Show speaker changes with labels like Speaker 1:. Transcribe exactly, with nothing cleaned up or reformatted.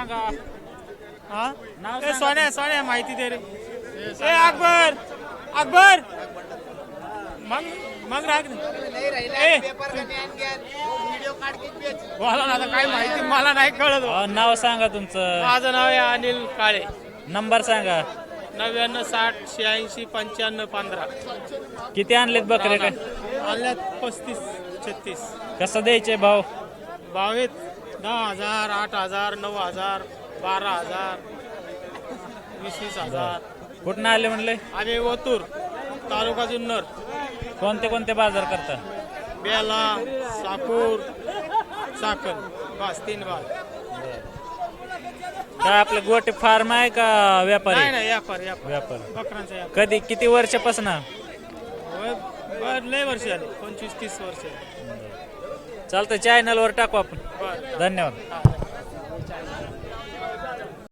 Speaker 1: सांगा.
Speaker 2: हा
Speaker 1: नाव
Speaker 2: ए
Speaker 1: सांगा.
Speaker 2: सोन्या सोन्या माहिती दे रे ए अकबर अकबर मग मग राग ए मला ना आता काय माहिती मला नाही कळत हो.
Speaker 1: अहो, नाव सांगा तुमचं.
Speaker 2: माझं नाव आहे अनिल काळे.
Speaker 1: नंबर सांगा.
Speaker 2: नव्याण्णव साठ शहाऐंशी पंच्याण्णव पंधरा.
Speaker 1: किती आणलेत बकरे काय?
Speaker 2: आल्यात पस्तीस छत्तीस.
Speaker 1: कसं द्यायचे भाव?
Speaker 2: भाव आहेत दहा हजार आठ हजार नऊ हजार बारा हजार वीस वीस हजार.
Speaker 1: कुठनं आले म्हणले?
Speaker 2: आम्ही ओतूर तालुका जुन्नर.
Speaker 1: कोणते कोणते बाजार करता?
Speaker 2: बेला साकूर चाकण बस तीन बाग.
Speaker 1: काय आपलं गोटे फार्म आहे का
Speaker 2: नाही
Speaker 1: व्यापारी?
Speaker 2: नाही व्यापार व्यापार
Speaker 1: व्यापार.
Speaker 2: बकरांचा व्यापार.
Speaker 1: कधी किती वर्षापासून?
Speaker 2: होय, बर लय वर्ष झाले पंचवीस तीस वर्ष.
Speaker 1: चालतं चॅनलवर टाकू आपण.
Speaker 2: बर
Speaker 1: धन्यवाद.
Speaker 2: हा.